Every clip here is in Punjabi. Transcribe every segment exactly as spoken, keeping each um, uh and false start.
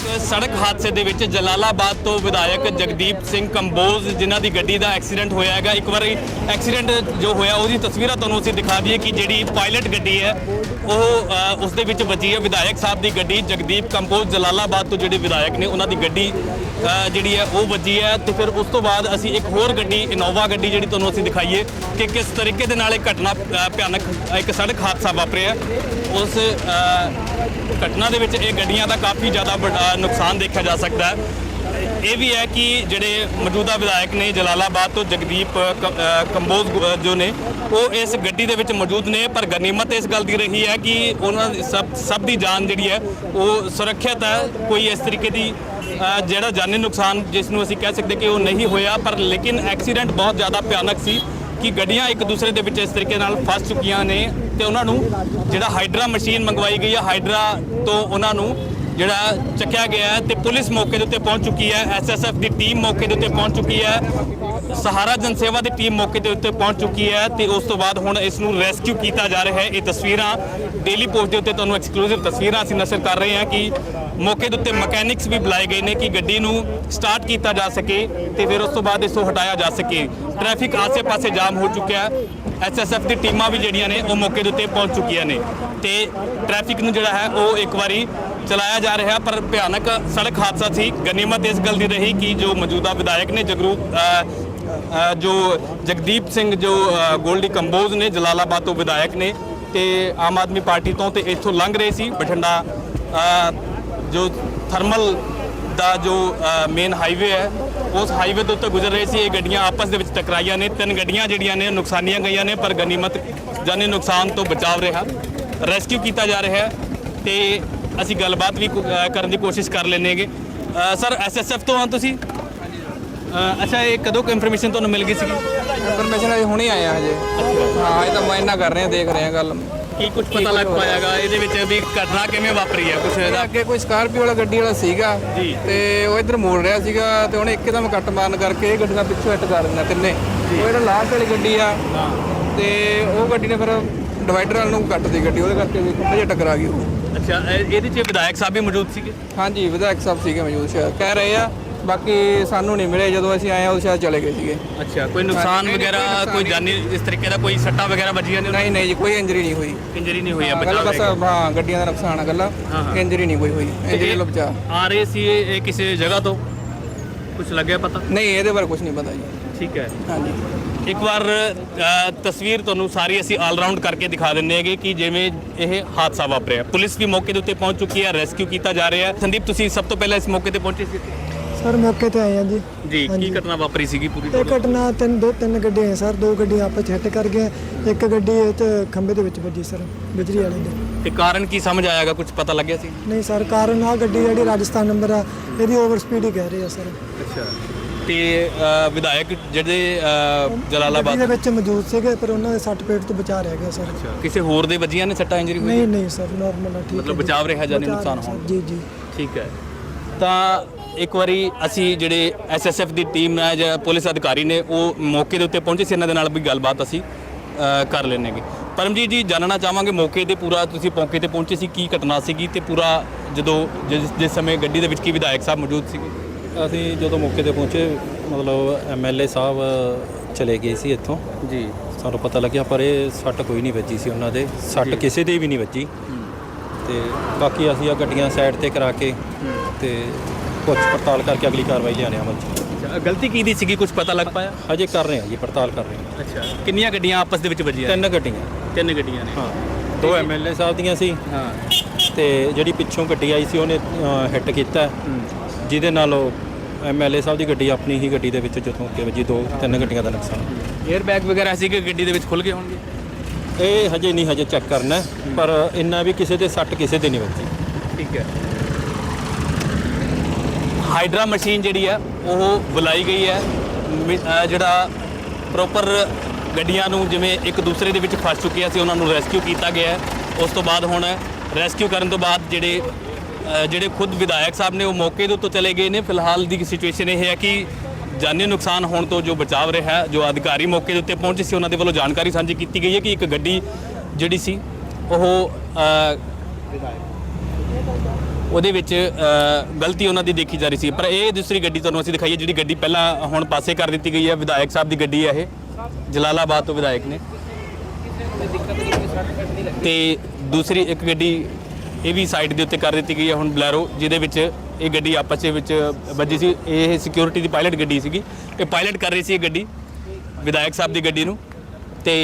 सड़क हादसे ਦੇ ਵਿੱਚ ਜਲਾਲਾਬਾਦ ਤੋਂ ਵਿਧਾਇਕ ਜਗਦੀਪ ਸਿੰਘ ਕੰਬੋਜ ਜਿਨ੍ਹਾਂ ਦੀ ਗੱਡੀ ਦਾ ਐਕਸੀਡੈਂਟ ਹੋਇਆ ਹੈਗਾ। ਇੱਕ ਵਾਰੀ ਐਕਸੀਡੈਂਟ ਜੋ ਹੋਇਆ ਉਹਦੀ ਤਸਵੀਰਾਂ ਤੁਹਾਨੂੰ ਅਸੀਂ ਦਿਖਾ ਦਈਏ ਕਿ ਜਿਹੜੀ ਪਾਇਲਟ ਗੱਡੀ ਹੈ ਉਹ ਉਸ ਦੇ ਵਿੱਚ ਵੱਜੀ ਹੈ। ਵਿਧਾਇਕ ਸਾਹਿਬ ਦੀ ਗੱਡੀ ਜਗਦੀਪ ਕੰਬੋਜ ਜਲਾਲਾਬਾਦ ਤੋਂ ਜਿਹੜੇ ਵਿਧਾਇਕ ਨੇ ਉਹਨਾਂ ਦੀ ਗੱਡੀ ਜਿਹੜੀ ਹੈ ਉਹ ਵੱਜੀ ਹੈ। ਤੇ ਫਿਰ ਉਸ ਤੋਂ ਬਾਅਦ ਅਸੀਂ ਇੱਕ ਹੋਰ ਗੱਡੀ ਇਨੋਵਾ ਗੱਡੀ ਜਿਹੜੀ ਤੁਹਾਨੂੰ ਅਸੀਂ ਦਿਖਾਈਏ ਕਿ ਕਿਸ ਤਰੀਕੇ ਦੇ ਨਾਲ ਇਹ ਘਟਨਾ ਭਿਆਨਕ ਇੱਕ ਸੜਕ ਹਾਦਸਾ ਵਾਪਰਿਆ। ਉਸ ਘਟਨਾ ਦੇ ਵਿੱਚ ਇਹ ਗੱਡੀਆਂ ਦਾ ਕਾਫੀ ਜ਼ਿਆਦਾ ਵੱਡਾ ਨੁਕਸਾਨ ਦੇਖਿਆ ਜਾ ਸਕਦਾ ਹੈ। ਇਹ ਵੀ ਹੈ ਕਿ ਜਿਹੜੇ ਮੌਜੂਦਾ ਵਿਧਾਇਕ ਨੇ ਜਲਾਲਾਬਾਦ ਤੋਂ ਜਗਦੀਪ ਕੰਬੋਜ ਜੋ ਨੇ ਉਹ ਇਸ ਗੱਡੀ ਦੇ ਵਿੱਚ ਮੌਜੂਦ ਨੇ, ਪਰ ਗਨੀਮਤ ਇਸ ਗੱਲ ਦੀ ਰਹੀ ਹੈ ਕਿ ਉਹਨਾਂ ਸਭ ਸਭ ਦੀ ਜਾਨ ਜਿਹੜੀ ਹੈ ਉਹ ਸੁਰੱਖਿਅਤ ਹੈ। ਕੋਈ ਇਸ ਤਰੀਕੇ ਦੀ ਜਿਹੜਾ ਜਾਨੀ ਨੁਕਸਾਨ ਜਿਸ ਨੂੰ ਅਸੀਂ ਕਹਿ ਸਕਦੇ ਕਿ ਉਹ ਨਹੀਂ ਹੋਇਆ, ਪਰ ਲੇਕਿਨ ਐਕਸੀਡੈਂਟ ਬਹੁਤ ਜ਼ਿਆਦਾ ਭਿਆਨਕ ਸੀ ਕਿ ਗੱਡੀਆਂ ਇੱਕ ਦੂਸਰੇ ਦੇ ਵਿੱਚ ਇਸ ਤਰੀਕੇ ਨਾਲ ਫਸ ਚੁੱਕੀਆਂ ਨੇ ਤੇ ਉਹਨਾਂ ਨੂੰ ਜਿਹੜਾ ਹਾਈਡਰਾ ਮਸ਼ੀਨ ਮੰਗਵਾਈ ਗਈ ਹੈ, ਹਾਈਡਰਾ ਤੋਂ ਉਹਨਾਂ ਨੂੰ ਜਿਹੜਾ ਚੱਕਿਆ ਗਿਆ ਹੈ ਤੇ ਪੁਲਿਸ ਮੌਕੇ ਦੇ ਉੱਤੇ ਪਹੁੰਚ ਚੁੱਕੀ ਹੈ। ਐਸ ਐਸ ਐਫ ਦੀ ਟੀਮ ਮੌਕੇ ਦੇ ਉੱਤੇ ਪਹੁੰਚ ਚੁੱਕੀ ਹੈ। ਸਹਾਰਾ ਜਨ ਸੇਵਾ ਦੀ ਟੀਮ ਮੌਕੇ ਦੇ ਉੱਤੇ ਪਹੁੰਚ ਚੁੱਕੀ ਹੈ ਤੇ ਉਸ ਤੋਂ ਬਾਅਦ ਹੁਣ ਇਸ ਨੂੰ ਰੈਸਕਿਊ ਕੀਤਾ ਜਾ ਰਿਹਾ ਹੈ। ਇਹ ਤਸਵੀਰਾਂ ਡੇਲੀ ਪੋਸਟ ਦੇ ਉੱਤੇ ਤੁਹਾਨੂੰ ਐਕਸਕਲੂਸਿਵ ਤਸਵੀਰਾਂ ਅਸੀਂ ਨਸ਼ਰ ਕਰ ਰਹੇ ਹਾਂ ਕਿ ਮੌਕੇ ਦੇ ਉੱਤੇ ਮਕੈਨਿਕਸ ਵੀ ਬੁਲਾਏ ਗਏ ਨੇ ਕਿ ਗੱਡੀ ਨੂੰ ਸਟਾਰਟ ਕੀਤਾ ਜਾ ਸਕੇ ਤੇ ਫਿਰ ਉਸ ਤੋਂ ਬਾਅਦ ਇਸ ਤੋਂ ਹਟਾਇਆ ਜਾ ਸਕੇ। ਟ੍ਰੈਫਿਕ ਆਸੇ-ਪਾਸੇ ਜਾਮ ਹੋ ਚੁੱਕਿਆ ਹੈ। ਐਸ ਐਸ ਐਫ ਦੀ ਟੀਮਾਂ ਵੀ ਜਿਹੜੀਆਂ ਨੇ ਉਹ ਮੌਕੇ ਦੇ ਉੱਤੇ ਪਹੁੰਚ ਚੁੱਕੀਆਂ ਨੇ ਤੇ ਟ੍ਰੈਫਿਕ ਨੂੰ ਜਿਹੜਾ ਹੈ ਉਹ ਇੱਕ ਵਾਰੀ ਚਲਾਇਆ ਜਾ ਰਿਹਾ। ਪਰ ਭਿਆਨਕ ਸੜਕ ਹਾਦਸਾ ਸੀ। ਗਨੀਮਤ ਇਸ ਗੱਲ ਦੀ ਰਹੀ ਕਿ ਜੋ ਮੌਜੂਦਾ ਵਿਧਾਇਕ ਨੇ ਜਗਰੂਪ ਜੋ ਜਗਦੀਪ ਸਿੰਘ ਜੋ ਗੋਲਡੀ ਕੰਬੋਜ ਨੇ ਜਲਾਲਾਬਾਦ ਤੋਂ ਵਿਧਾਇਕ ਨੇ ਤੇ ਆਮ ਆਦਮੀ ਪਾਰਟੀ ਤੋਂ ਤੇ ਇੱਥੋਂ ਲੰਘ ਰਹੇ ਸੀ ਬਠਿੰਡਾ ਜੋ ਥਰਮਲ ਦਾ ਜੋ ਮੇਨ ਹਾਈਵੇ ਹੈ ਉਸ ਹਾਈਵੇ ਦੇ ਉੱਤੇ ਗੁਜ਼ਰ ਰਹੇ ਸੀ। ਇਹ ਗੱਡੀਆਂ ਆਪਸ ਦੇ ਵਿੱਚ ਟਕਰਾਈਆਂ ਨੇ। ਤਿੰਨ ਗੱਡੀਆਂ ਜਿਹੜੀਆਂ ਨੇ ਨੁਕਸਾਨੀਆਂ ਗਈਆਂ ਨੇ, ਪਰ ਗਨੀਮਤ ਜਾਨੀ ਨੁਕਸਾਨ ਤੋਂ ਬਚਾਵ ਰਿਹਾ। ਰੈਸਕਿਊ ਕੀਤਾ ਜਾ ਰਿਹਾ ਤੇ ਅਸੀਂ ਗੱਲਬਾਤ ਵੀ ਕਰਨ ਦੀ ਕੋਸ਼ਿਸ਼ ਕਰ ਲੈਂਦੇ। ਸਰ ਐਸ ਐਸ ਐਫ ਤੋਂ ਹਾਂ ਤੁਸੀਂ? ਅੱਛਾ, ਇਹ ਕਦੋਂ ਕੁ ਇਨਫੋਰਮੇਸ਼ਨ ਤੁਹਾਨੂੰ ਮਿਲ ਗਈ ਸੀ? ਇਨਫੋਰਮੇਸ਼ਨ ਅਜੇ ਹੁਣੇ ਆਏ ਆ ਹਜੇ। ਹਾਂ, ਇਹ ਤਾਂ ਮੈਂ ਇੰਨਾ ਕਰ ਰਹੇ ਹਾਂ, ਦੇਖ ਰਹੇ ਹਾਂ ਗੱਲ ਕੀ ਕੁਝ ਪਤਾ ਲੱਗ ਪਾਇਆਗਾ ਇਹਦੇ ਵਿੱਚ ਵੀ ਘਟਨਾ ਕਿਵੇਂ ਵਾਪਰੀ ਹੈ? ਕੁਝ ਇਹਦਾ ਅੱਗੇ ਕੋਈ ਸਕਾਰਪੀਓ ਵਾਲਾ ਗੱਡੀ ਵਾਲਾ ਸੀਗਾ ਤੇ ਉਹ ਇੱਧਰ ਮੋੜ ਰਿਹਾ ਸੀਗਾ ਤੇ ਉਹਨੇ ਇੱਕਦਮ ਕੱਟ ਮਾਰਨ ਕਰਕੇ ਇਹ ਗੱਡੀਆਂ ਪਿੱਛੋਂ ਹਿੱਟ ਕਰ ਦਿੰਦਾ ਤਿੰਨੇ। ਉਹ ਜਿਹੜਾ ਲਾਸਟ ਵਾਲੀ ਗੱਡੀ ਆ ਤੇ ਉਹ ਗੱਡੀ ਨੇ ਫਿਰ ਡਿਵਾਈਡਰ ਵਾਲ ਨੂੰ ਕੱਟਦੀ ਗੱਡੀ, ਉਹਦੇ ਕਰਕੇ ਖੁੱਬੇ ਜਿਹਾ ਟਕਰਾ ਗਈ ਉਹ। ਅੱਛਾ, ਇਹਦੇ 'ਚ ਵਿਧਾਇਕ ਸਾਹਿਬ ਵੀ ਮੌਜੂਦ ਸੀਗੇ? ਹਾਂਜੀ, ਵਿਧਾਇਕ ਸਾਹਿਬ ਸੀਗੇ ਮੌਜੂਦ, ਸ਼ਾਇਦ ਕਹਿ ਰਹੇ ਆ। ਬਾਕੀ ਸਾਨੂੰ ਨਹੀਂ ਮਿਲੇ, ਜਦੋਂ ਅਸੀਂ ਆਏ ਉਹ ਸ਼ਾਇਦ ਚਲੇ ਗਏ ਸੀਗੇ। ਅੱਛਾ, ਕੋਈ ਨੁਕਸਾਨ ਵਗੈਰਾ ਕੋਈ ਜਾਨੀ ਇਸ ਤਰੀਕੇ ਦਾ ਕੋਈ ਸੱਟਾਂ ਵਗੈਰਾ ਵੱਜੀਆਂ ਨੇ? ਨਹੀਂ ਨਹੀਂ ਜੀ, ਕੋਈ ਇੰਜਰੀ ਨਹੀਂ ਹੋਈ। ਇੰਜਰੀ ਨਹੀਂ ਹੋਈ ਆ? ਬਸ ਹਾਂ, ਗੱਡੀਆਂ ਦਾ ਨੁਕਸਾਨ ਆ ਗੱਲਾਂ, ਇੰਜਰੀ ਨਹੀਂ ਕੋਈ ਹੋਈ। ਇੰਜਰੀ ਲੋ ਬਚਾ ਆ ਰਹੇ ਸੀ ਇਹ ਕਿਸੇ ਜਗ੍ਹਾ ਤੋਂ? ਕੁਝ ਲੱਗਿਆ ਪਤਾ? ਨਹੀਂ, ਇਹਦੇ ਬਾਰੇ ਕੁਝ ਨਹੀਂ ਪਤਾ ਜੀ। ਠੀਕ ਹੈ। ਹਾਂਜੀ, ਇੱਕ ਵਾਰ ਤਸਵੀਰ ਤੁਹਾਨੂੰ ਸਾਰੀ ਅਸੀਂ ਆਲ ਰਾਊਂਡ ਕਰਕੇ ਦਿਖਾ ਦਿੰਦੇ ਹੈਗੇ ਕਿ ਜਿਵੇਂ ਇਹ ਹਾਦਸਾ ਵਾਪਰਿਆ। ਪੁਲਿਸ ਵੀ ਮੌਕੇ ਦੇ ਉੱਤੇ ਪਹੁੰਚ ਚੁੱਕੀ ਹੈ, ਰੈਸਕਿਊ ਕੀਤਾ ਜਾ ਰਿਹਾ ਹੈ। ਸੰਦੀਪ, ਤੁਸੀਂ ਸਭ ਤੋਂ ਪਹਿਲਾਂ ਇਸ ਮੌਕੇ ਤੇ ਪਹੁੰਚੇ ਸੀ? ਸਰ ਮੌਕੇ ਤੇ ਆਏ ਆ ਜੀ। ਜੀ, ਕੀ ਘਟਨਾ ਵਾਪਰੀ ਸੀਗੀ ਪੂਰੀ? ਇਹ ਘਟਨਾ ਤਿੰਨ ਦੋ ਤਿੰਨ ਗੱਡੀਆਂ ਹੈ ਸਰ। ਦੋ ਗੱਡੀਆਂ ਆਪਸ 'ਚ ਹਿੱਟ ਕਰ ਗਏ। ਇੱਕ ਗੱਡੀ ਇਹ 'ਚ ਖੰਭੇ ਦੇ ਵਿੱਚ ਵੱਜੀ ਸਰ, ਬਿਜਲੀ ਵਾਲੇ ਦੇ। ਤੇ ਕਾਰਨ ਕੀ ਸਮਝ ਆਇਆਗਾ? ਕੁਝ ਪਤਾ ਲੱਗਿਆ ਸੀ? ਨਹੀਂ ਸਰ, ਕਾਰਨ ਆ ਗੱਡੀ ਜਿਹੜੀ ਰਾਜਸਥਾਨ ਨੰਬਰ ਆ ਇਹਦੀ ਓਵਰ ਸਪੀਡ ਹੀ ਕਹਿ ਰਹੇ ਆ ਸਰ। ਅੱਛਾ, ਤੇ ਵਿਧਾਇਕ ਜਿਹੜੇ ਜਲਾਲਾਬਾਦ ਦੇ ਵਿੱਚ ਮੌਜੂਦ ਸੀਗੇ ਪਰ ਉਹਨਾਂ ਦੇ ਸੱਟ ਪੇਟ ਤੋਂ ਬਚਾ ਰਹਿ ਗਿਆ ਸਰ। ਕਿਸੇ ਹੋਰ ਦੇ ਵੱਜੀਆਂ ਨੇ ਸੱਟਾਂ, ਇੰਜਰੀ ਹੋਈ? ਨਹੀਂ ਨਹੀਂ ਸਰ, ਨਾਰਮਲ ਆ, ਠੀਕ ਹੈ। ਮਤਲਬ ਬਚਾਵ ਰਿਹਾ, ਜਾਨੀ ਨੁਕਸਾਨ ਹੋਣ? ਜੀ ਜੀ, ਠੀਕ ਹੈ। ਤਾਂ ਇੱਕ ਵਾਰੀ ਅਸੀਂ ਜਿਹੜੇ ਐਸ ਐਸ ਐਫ ਦੀ ਟੀਮ ਹੈ ਜਾਂ ਪੁਲਿਸ ਅਧਿਕਾਰੀ ਨੇ ਉਹ ਮੌਕੇ ਦੇ ਉੱਤੇ ਪਹੁੰਚੇ ਸੀ। ਇਹਨਾਂ ਦੇ ਨਾਲ ਵੀ ਗੱਲਬਾਤ ਅਸੀਂ ਕਰ ਲੈਣਗੇ। ਪਰਮਜੀਤ ਜੀ, ਜਾਣਨਾ ਚਾਹਾਂਗੇ ਮੌਕੇ ਤੇ ਪੂਰਾ ਤੁਸੀਂ ਮੌਕੇ ਤੇ ਪਹੁੰਚੇ ਸੀ, ਕੀ ਘਟਨਾ ਸੀਗੀ ਤੇ ਪੂਰਾ ਜਦੋਂ ਜਿਸ ਜਿਸ ਸਮੇਂ ਗੱਡੀ ਦੇ ਵਿੱਚ ਕੀ ਵਿਧਾਇਕ ਸਾਹਿਬ ਮੌਜੂਦ ਸੀਗੇ? ਅਸੀਂ ਜਦੋਂ ਮੌਕੇ ਤੇ ਪਹੁੰਚੇ ਮਤਲਬ ਐਮ ਐਲ ਏ ਸਾਹਿਬ ਚਲੇ ਗਏ ਸੀ ਇੱਥੋਂ ਜੀ। ਸਾਨੂੰ ਪਤਾ ਲੱਗਿਆ ਪਰ ਇਹ ਸੱਟ ਕੋਈ ਨਹੀਂ ਵੱਜੀ ਸੀ ਉਹਨਾਂ ਦੇ, ਸੱਟ ਕਿਸੇ ਦੇ ਵੀ ਨਹੀਂ ਵੱਜੀ। ਤੇ ਬਾਕੀ ਅਸੀਂ ਆ ਗੱਡੀਆਂ ਸਾਈਡ ਤੇ ਕਰਾ ਕੇ ਤੇ ਕੁਝ ਪੜਤਾਲ ਕਰਕੇ ਅਗਲੀ ਕਾਰਵਾਈ ਲਿਆਣੇ ਅਮਲ 'ਚ। ਗਲਤੀ ਕੀ ਦੀ ਸੀਗੀ? ਕੁਝ ਪਤਾ ਲੱਗ ਪਾਇਆ? ਹਜੇ ਕਰ ਰਹੇ ਹਾਂ ਜੀ, ਪੜਤਾਲ ਕਰ ਰਹੇ ਹਾਂ। ਅੱਛਾ, ਕਿੰਨੀਆਂ ਗੱਡੀਆਂ ਆਪਸ ਦੇ ਵਿੱਚ ਵੱਜੀਆਂ? ਤਿੰਨ ਗੱਡੀਆਂ। ਤਿੰਨ ਗੱਡੀਆਂ ਨੇ? ਹਾਂ, ਦੋ ਐਮ ਐਲ ਏ ਸਾਹਿਬ ਦੀਆਂ ਸੀ। ਹਾਂ, ਤੇ ਜਿਹੜੀ ਪਿੱਛੋਂ ਗੱਡੀ ਆਈ ਸੀ ਉਹਨੇ ਹਿੱਟ ਕੀਤਾ, ਜਿਹਦੇ ਨਾਲ ਉਹ ਐਮ ਐਲ ਏ ਸਾਹਿਬ ਦੀ ਗੱਡੀ ਆਪਣੀ ਹੀ ਗੱਡੀ ਦੇ ਵਿੱਚ ਜਦੋਂ ਅੱਗੇ ਵੱਜੀ। ਦੋ ਤਿੰਨ ਗੱਡੀਆਂ ਦਾ ਨੁਕਸਾਨ। ਏਅਰ ਬੈਗ ਵਗੈਰਾ ਸੀ ਕਿ ਗੱਡੀ ਦੇ ਵਿੱਚ ਖੁੱਲ ਗਏ ਹੋਣਗੇ? ਇਹ ਹਜੇ ਨਹੀਂ, ਹਜੇ ਚੈੱਕ ਕਰਨਾ, ਪਰ ਇੰਨਾ ਵੀ ਕਿਸੇ ਦੇ ਸੱਟ ਕਿਸੇ ਦੇ ਨਹੀਂ ਵੱਜੀ। ਠੀਕ ਹੈ। ਹਾਈਡਰਾ ਮਸ਼ੀਨ ਜਿਹੜੀ ਹੈ ਉਹ ਬੁਲਾਈ ਗਈ ਹੈ। ਜਿਹੜਾ ਪ੍ਰੋਪਰ ਗੱਡੀਆਂ ਨੂੰ ਜਿਵੇਂ ਇੱਕ ਦੂਸਰੇ ਦੇ ਵਿੱਚ ਫਸ ਚੁੱਕੀਆਂ ਸੀ ਉਹਨਾਂ ਨੂੰ ਰੈਸਕਿਊ ਕੀਤਾ ਗਿਆ ਹੈ। ਉਸ ਤੋਂ ਬਾਅਦ ਹੁਣ ਰੈਸਕਿਊ ਕਰਨ ਤੋਂ ਬਾਅਦ ਜਿਹੜੇ ਜਿਹੜੇ ਖੁਦ ਵਿਧਾਇਕ ਸਾਹਿਬ ਨੇ ਉਹ ਮੌਕੇ ਦੇ ਉੱਤੇ ਚਲੇ ਗਏ ਨੇ। ਫਿਲਹਾਲ ਦੀ ਸਿਚੁਏਸ਼ਨ ਇਹ ਹੈ ਕਿ ਜਾਨੀ ਨੁਕਸਾਨ ਹੋਣ ਤੋਂ ਜੋ ਬਚਾਵ ਰਿਹਾ, ਜੋ ਅਧਿਕਾਰੀ ਮੌਕੇ ਦੇ ਉੱਤੇ ਪਹੁੰਚੇ ਸੀ ਉਹਨਾਂ ਦੇ ਵੱਲੋਂ ਜਾਣਕਾਰੀ ਸਾਂਝੀ ਕੀਤੀ ਗਈ ਹੈ ਕਿ ਇੱਕ ਗੱਡੀ ਜਿਹੜੀ ਸੀ ਉਹ ਉਹਦੇ ਵਿੱਚ ਅ, ਗਲਤੀ ਉਹਨਾਂ ਦੀ ਦੇਖੀ ਜਾ ਰਹੀ ਸੀ। ਪਰ ਇਹ ਦੂਸਰੀ ਗੱਡੀ ਤੁਹਾਨੂੰ ਅਸੀਂ ਦਿਖਾਈਏ, ਜਿਹੜੀ ਗੱਡੀ ਪਹਿਲਾਂ ਹੁਣ ਪਾਸੇ ਕਰ ਦਿੱਤੀ ਗਈ ਹੈ। ਵਿਧਾਇਕ ਸਾਹਿਬ ਦੀ ਗੱਡੀ ਹੈ ਇਹ, ਜਲਾਲਾਬਾਦ ਤੋਂ ਵਿਧਾਇਕ ਨੇ। ਤੇ ਦੂਸਰੀ ਇੱਕ ਗੱਡੀ ਇਹ ਵੀ ਸਾਈਡ ਦੇ ਉੱਤੇ ਕਰ ਦਿੱਤੀ ਗਈ ਹੈ ਹੁਣ, ਬਲੈਰੋ, ਜਿਹਦੇ ਵਿੱਚ ਇਹ ਗੱਡੀ ਆਪਸ ਦੇ ਵਿੱਚ ਵੱਜੀ ਸੀ। ਇਹ ਸਿਕਿਉਰਿਟੀ ਦੀ ਪਾਇਲਟ ਗੱਡੀ ਸੀਗੀ, ਇਹ ਪਾਇਲਟ ਕਰ ਰਹੀ ਸੀ ਇਹ ਗੱਡੀ ਵਿਧਾਇਕ ਸਾਹਿਬ ਦੀ ਗੱਡੀ ਨੂੰ। ਤੇ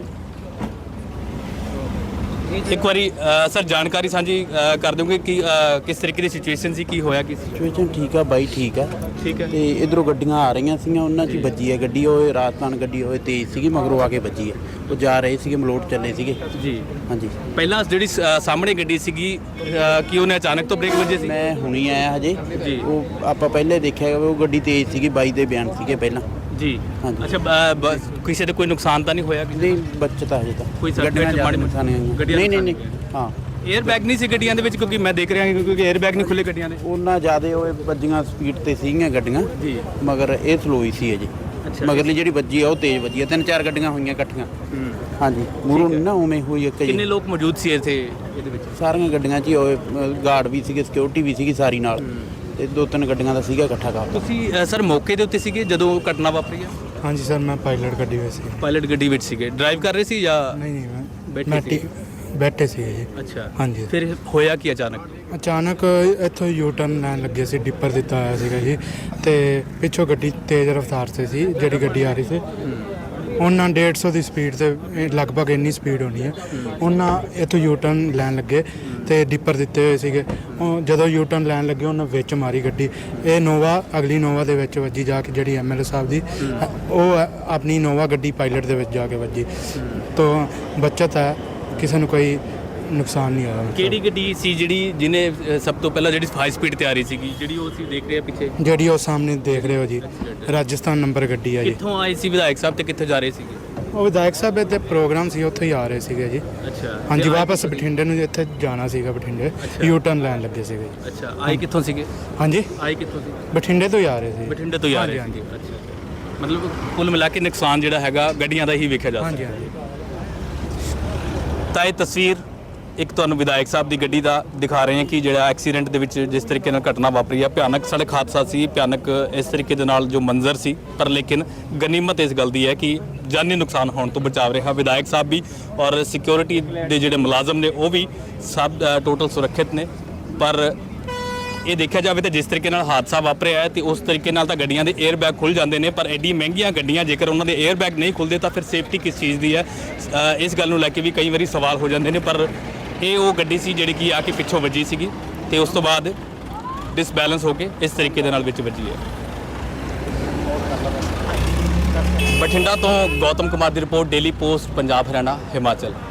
ਇੱਕ ਵਾਰੀ ਅ, ਸਰ ਜਾਣਕਾਰੀ ਸਾਂਝੀ ਅ, ਕਰ ਦੋਗੇ ਕਿ ਅ, ਕਿਸ ਤਰੀਕੇ ਦੀ ਸਿਚੁਏਸ਼ਨ ਸੀ, ਕੀ ਹੋਇਆ, ਕੀ ਸੀ? ਸਿਚੁਏਸ਼ਨ ਠੀਕ ਆ ਬਾਈ, ਠੀਕ ਆ। ਠੀਕ ਹੈ। ਤੇ ਇਧਰੋਂ ਗੱਡੀਆਂ ਆ ਰਹੀਆਂ ਸੀਗੀਆਂ, ਉਹਨਾਂ 'ਚ ਹੀ ਵੱਜੀ ਹੈ ਗੱਡੀ। ਉਹ ਰਾਜਸਥਾਨ ਗੱਡੀ ਹੋਏ ਤੇਜ਼ ਸੀਗੀ, ਮਗਰੋਂ ਆ ਕੇ ਵੱਜੀ ਹੈ। ਉਹ ਜਾ ਰਹੇ ਸੀਗੇ, ਮਲੋਟ ਚੱਲੇ ਸੀਗੇ ਜੀ। ਹਾਂਜੀ। ਪਹਿਲਾਂ ਜਿਹੜੀ ਅ, ਸਾਹਮਣੇ ਗੱਡੀ ਸੀਗੀ, ਅ, ਕੀ ਉਹਨੇ ਅਚਾਨਕ ਤੋਂ ਬ੍ਰੇਕ ਵੱਜੇ ਸੀ? ਮੈਂ ਹੁਣੀ ਆਇਆ ਹਜੇ ਜੀ। ਉਹ ਆਪਾਂ ਪਹਿਲੇ ਦੇਖਿਆ ਉਹ ਗੱਡੀ ਤੇਜ਼ ਸੀਗੀ, ਬਾਈ ਦੇ ਬਿਆਨ ਸੀਗੇ ਪਹਿਲਾਂ। ਜੀ। ਹਾਂਜੀ। ਅੱਛਾ, ਬ- ਬ- ਕਿਸੇ ਦਾ ਕੋਈ ਨੁਕਸਾਨ ਤਾਂ ਨਹੀਂ ਹੋਇਆ? ਨਹੀਂ, ਬੱਚਤ ਆ ਹਜੇ ਤਾਂ। ਕੋਈ ਸੱਟ ਗੱਡੀਆਂ ਫੇਟ ਜ਼ਿਆਦਾ ਮਾੜੀ ਮੋਟੀ? ਨੁਕਸਾਨ ਨਹੀਂ ਗੱਡੀਆਂ ਨਹੀਂ ਨਹੀਂ ਨਹੀਂ ਨੁਕਸਾਨ ਹਾਂ। 에ਅਰ ਬੈਗ ਨਹੀਂ ਸੀ ਗੱਡੀਆਂ ਦੇ ਵਿੱਚ? ਕਿਉਂਕਿ ਮੈਂ ਦੇਖ ਰਿਹਾ ਕਿਉਂਕਿ 에ਅਰ ਬੈਗ ਨਹੀਂ ਖੁੱਲੇ ਗੱਡੀਆਂ ਦੇ। ਉਹਨਾਂ ਜ਼ਿਆਦੇ ਉਹ ਵੱਜੀਆਂ ਸਪੀਡ ਤੇ ਸੀਗੀਆਂ ਗੱਡੀਆਂ, ਜੀ। ਮਗਰ ਇਹ ਸਲੋ ਹੀ ਸੀ ਅਜੇ। ਅੱਛਾ। ਮਗਰਲੀ ਜਿਹੜੀ ਵੱਜੀ ਆ ਉਹ ਤੇਜ਼ ਵੱਜੀ ਆ। ਤਿੰਨ ਚਾਰ ਗੱਡੀਆਂ ਹੋਈਆਂ ਇਕੱਠੀਆਂ। ਹਾਂਜੀ, ਮੂਹਰੋਂ ਨਹੀਂ ਨਾ ਉਵੇਂ ਹੋਈ ਇੱਕ ਕਿੰਨੇ ਜੀ। ਲੋਕ ਮੌਜੂਦ ਸੀ ਇੱਥੇ ਇਹਦੇ ਵਿੱਚ? ਸਾਰੀਆਂ ਗੱਡੀਆਂ 'ਚ ਹੀ ਹੋਏ, ਗਾਰਡ ਵੀ ਸੀਗੇ, ਸਿਕਿਉਰਿਟੀ ਵੀ ਸੀਗੀ ਸਾਰੀ ਨਾਲ। ਤੇ ਦੋ ਤਿੰਨ ਗੱਡੀਆਂ ਦਾ ਸੀਗਾ ਇਕੱਠਾ ਕਾਫਲਾ। ਤੁਸੀਂ ਅ, ਸਰ ਮੌਕੇ ਦੇ ਉੱਤੇ ਸੀਗੇ ਜਦੋਂ ਘਟਨਾ ਵਾਪਰੀ ਹੈ? ਹਾਂਜੀ ਸਰ, ਮੈਂ ਪਾਇਲਟ ਗੱਡੀ ਵਿੱਚ ਸੀ। ਪਾਇਲਟ ਗੱਡੀ ਵਿੱਚ ਸੀਗੇ, ਡਰਾਈਵ ਕਰ ਰਹੇ ਸੀ ਜਾਂ? ਨਹੀਂ ਨਹੀਂ ਮੈਂ ਬੈਠੇ ਮੈਂ ਸੀ? ਟੀ- ਬੈਠੇ ਸੀ ਜੀ। ਅੱਛਾ। ਹਾਂਜੀ। ਫਿਰ ਹੋਇਆ ਕੀ ਅਚਾਨਕ? ਅਚਾਨਕ ਇੱਥੋਂ ਯੂ ਟਰਨ ਲੈਣ ਲੱਗੇ ਸੀ, ਡਿੱਪਰ ਦਿੱਤਾ ਹੋਇਆ ਸੀਗਾ ਜੀ। ਤੇ ਪਿੱਛੋਂ ਗੱਡੀ ਤੇਜ਼ ਰਫ਼ਤਾਰ 'ਤੇ ਸੀ, ਜਿਹੜੀ ਗੱਡੀ ਆ ਰਹੀ ਸੀ। ਉਹਨਾਂ ਡੇਢ ਸੌ ਦੀ ਸਪੀਡ ਤੇ, ਇਹ ਲਗਭਗ ਇੰਨੀ ਸਪੀਡ ਹੋਣੀ ਹੈ। ਉਹਨਾਂ ਇੱਥੋਂ ਯੂ ਟਰਨ ਲੈਣ ਲੱਗੇ ਤੇ ਡਿੱਪਰ ਦਿੱਤੇ ਹੋਏ ਸੀਗੇ। ਉਹ ਜਦੋਂ ਯੂ ਟਰਨ ਲੈਣ ਲੱਗੇ ਉਹਨਾਂ ਵਿੱਚ ਮਾਰੀ ਗੱਡੀ। ਇਹ ਨੋਵਾ ਅਗਲੀ ਨੋਵਾ ਦੇ ਵਿੱਚ ਵੱਜੀ ਜਾ ਕੇ, ਜਿਹੜੀ ਐਮ ਐਲ ਏ ਸਾਹਿਬ ਦੀ, ਉਹ ਆਪਣੀ ਨੋਵਾ ਗੱਡੀ ਪਾਇਲਟ ਦੇ ਵਿੱਚ ਜਾ ਕੇ ਵੱਜੀ। ਤੋਂ ਬਚਤ ਹੈ, ਕਿਸੇ ਨੂੰ ਕੋਈ ਨੁਕਸਾਨ ਨਹੀਂ ਹੋਇਆ। ਕਿਹੜੀ ਗੱਡੀ ਸੀ ਜਿਹੜੀ ਜਿਹਨੇ ਅ, ਸਭ ਤੋਂ ਪਹਿਲਾਂ ਜਿਹੜੀ ਹਾਈ ਸਪੀਡ ਤੇ ਆ ਰਹੀ ਸੀਗੀ, ਜਿਹੜੀ ਉਹ ਅਸੀਂ ਦੇਖ ਰਹੇ ਆ ਪਿੱਛੇ? ਜਿਹੜੀ ਉਹ ਸਾਹਮਣੇ ਦੇਖ ਰਹੇ ਹੋ ਜੀ, ਰਾਜਸਥਾਨ ਨੰਬਰ ਗੱਡੀ ਆ ਜੀ। ਕਿੱਥੋਂ ਆਏ ਸੀ ਵਿਧਾਇਕ ਸਾਹਿਬ ਤੇ ਕਿੱਥੇ ਜਾ ਰਹੇ ਸੀਗੇ? ਉਹ ਵਿਧਾਇਕ ਸਾਹਿਬ ਦੇ ਪ੍ਰੋਗਰਾਮ ਸੀ, ਉੱਥੇ ਹੀ ਆ ਰਹੇ ਸੀਗੇ ਜੀ। ਅੱਛਾ। ਹਾਂਜੀ, ਤੇ ਆਏ ਵਾਪਸ ਕਿੱਥੋਂ ਬਠਿੰਡੇ ਨੂੰ ਇੱਥੇ ਜਾਣਾ ਸੀਗਾ, ਬਠਿੰਡੇ ਅੱਛਾ। ਯੂ ਟਰਨ ਲੈਣ ਲੱਗੇ ਸੀਗੇ ਜੀ। ਅੱਛਾ, ਆਏ ਕਿੱਥੋਂ ਸੀਗੇ? ਹਾਂਜੀ, ਆਏ ਕਿੱਥੋਂ ਸੀ? ਬਠਿੰਡੇ ਤੋਂ ਹੀ ਆ ਰਹੇ ਸੀ। ਬਠਿੰਡੇ ਤੋਂ ਹੀ ਆ ਰਹੇ ਹਾਂਜੀ, ਸੀਗੇ। ਅੱਛਾ। ਮਤਲਬ ਕੁੱਲ ਮਿਲਾ ਕੇ ਨੁਕਸਾਨ ਜਿਹੜਾ ਹੈਗਾ ਗੱਡੀਆਂ ਦਾ ਹੀ ਵੇਖਿਆ ਜਾ ਹਾਂਜੀ ਸਕਦਾ। ਹਾਂਜੀ। ਤਾਂ ਇਹ ਤਸਵੀਰ ਇੱਕ ਤੁਹਾਨੂੰ ਵਿਧਾਇਕ ਸਾਹਿਬ ਦੀ ਗੱਡੀ ਦਾ ਦਿਖਾ ਰਹੇ ਹਾਂ ਕਿ ਜਿਹੜਾ ਐਕਸੀਡੈਂਟ ਦੇ ਵਿੱਚ ਜਿਸ ਤਰੀਕੇ ਨਾਲ ਘਟਨਾ ਵਾਪਰੀ ਹੈ, ਭਿਆਨਕ ਸੜਕ ਹਾਦਸਾ ਸੀ, ਭਿਆਨਕ ਇਸ ਤਰੀਕੇ ਦੇ ਨਾਲ ਜੋ ਮੰਜ਼ਰ ਸੀ। ਪਰ ਲੇਕਿਨ ਗਨੀਮਤ ਇਸ ਗੱਲ ਦੀ ਹੈ ਕਿ ਜਾਨੀ ਨੁਕਸਾਨ ਹੋਣ ਤੋਂ ਬਚਾਵ ਰਿਹਾ ਵਿਧਾਇਕ ਸਾਹਿਬ ਵੀ, ਔਰ ਸਿਕਿਉਰਿਟੀ ਦੇ ਜਿਹੜੇ ਮੁਲਾਜ਼ਮ ਨੇ ਉਹ ਵੀ ਸਭ ਟੋਟਲ ਸੁਰੱਖਿਅਤ ਨੇ। ਪਰ ਇਹ ਦੇਖਿਆ ਜਾਵੇ ਤਾਂ ਜਿਸ ਤਰੀਕੇ ਨਾਲ ਹਾਦਸਾ ਵਾਪਰਿਆ ਹੈ ਤੇ ਉਸ ਤਰੀਕੇ ਨਾਲ ਤਾਂ ਗੱਡੀਆਂ ਦੇ 에ਅਰ ਬੈਗ ਖੁੱਲ ਜਾਂਦੇ ਨੇ, ਪਰ ਐਡੀ ਮਹਿੰਗੀਆਂ ਗੱਡੀਆਂ ਜੇਕਰ ਉਹਨਾਂ ਦੇ 에ਅਰ ਬੈਗ ਨਹੀਂ ਖੁੱਲਦੇ ਤਾਂ ਫਿਰ ਸੇਫਟੀ ਕਿਸ ਚੀਜ਼ ਦੀ ਹੈ? ਅ, ਇਸ ਗੱਲ ਨੂੰ ਲੈ ਕੇ ਵੀ ਕਈ ਵਾਰੀ ਸਵਾਲ ਹੋ ਜਾਂਦੇ ਨੇ। ਪਰ ਇਹ ਉਹ ਗੱਡੀ ਸੀ ਜਿਹੜੀ ਕਿ ਆ ਕੇ ਪਿੱਛੋਂ ਵੱਜੀ ਸੀਗੀ ਤੇ ਉਸ ਤੋਂ ਬਾਅਦ ਡਿਸਬੈਲੈਂਸ ਹੋ ਕੇ ਇਸ ਤਰੀਕੇ ਦੇ ਨਾਲ ਵਿੱਚ ਵੱਜੀ ਹੈ। ਬਠਿੰਡਾ ਤੋਂ ਗੌਤਮ ਕੁਮਾਰ ਦੀ report, Daily Post, Punjab Haryana Himachal.